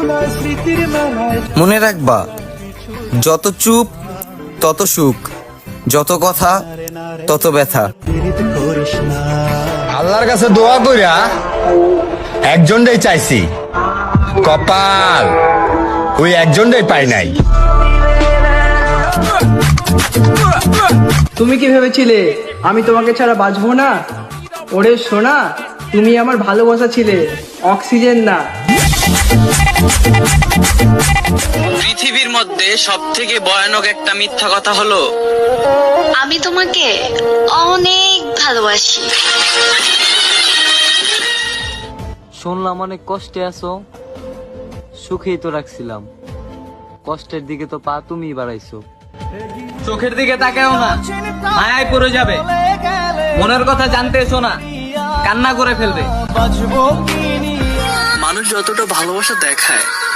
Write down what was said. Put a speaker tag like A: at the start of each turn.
A: মনে রাখবা, যত চুপ তত সুখ, যত কথা তত ব্যথা।
B: আল্লাহর কাছে দোয়া কইরা একজনটাই চাইছি, কপাল ওই একজনটাই পাই নাই।
C: তুমি কি ভেবেছিলে আমি তোমাকে ছাড়া বাঁচবো না? ওরে সোনা, তুমি আমার ভালোবাসা ছিলে, অক্সিজেন না।
D: পৃথিবীর মধ্যে সব থেকে ভয়ানক একটা মিথ্যা কথা হলো,
E: আমি তোমাকে অনেক ভালোবাসি।
F: শুনলাম অনেক কষ্টে আছো, সুখেই তো রাখছিলাম, কষ্টের দিকে তো পা তুমি বাড়াইছো।
D: চোখের দিকে তাকাও না, মায়ায় পড়ে যাবে। মনের কথা জানতে এসো না, কান্না করে ফেলবে। মানুষ যতটা ভালোবাসা দেখায়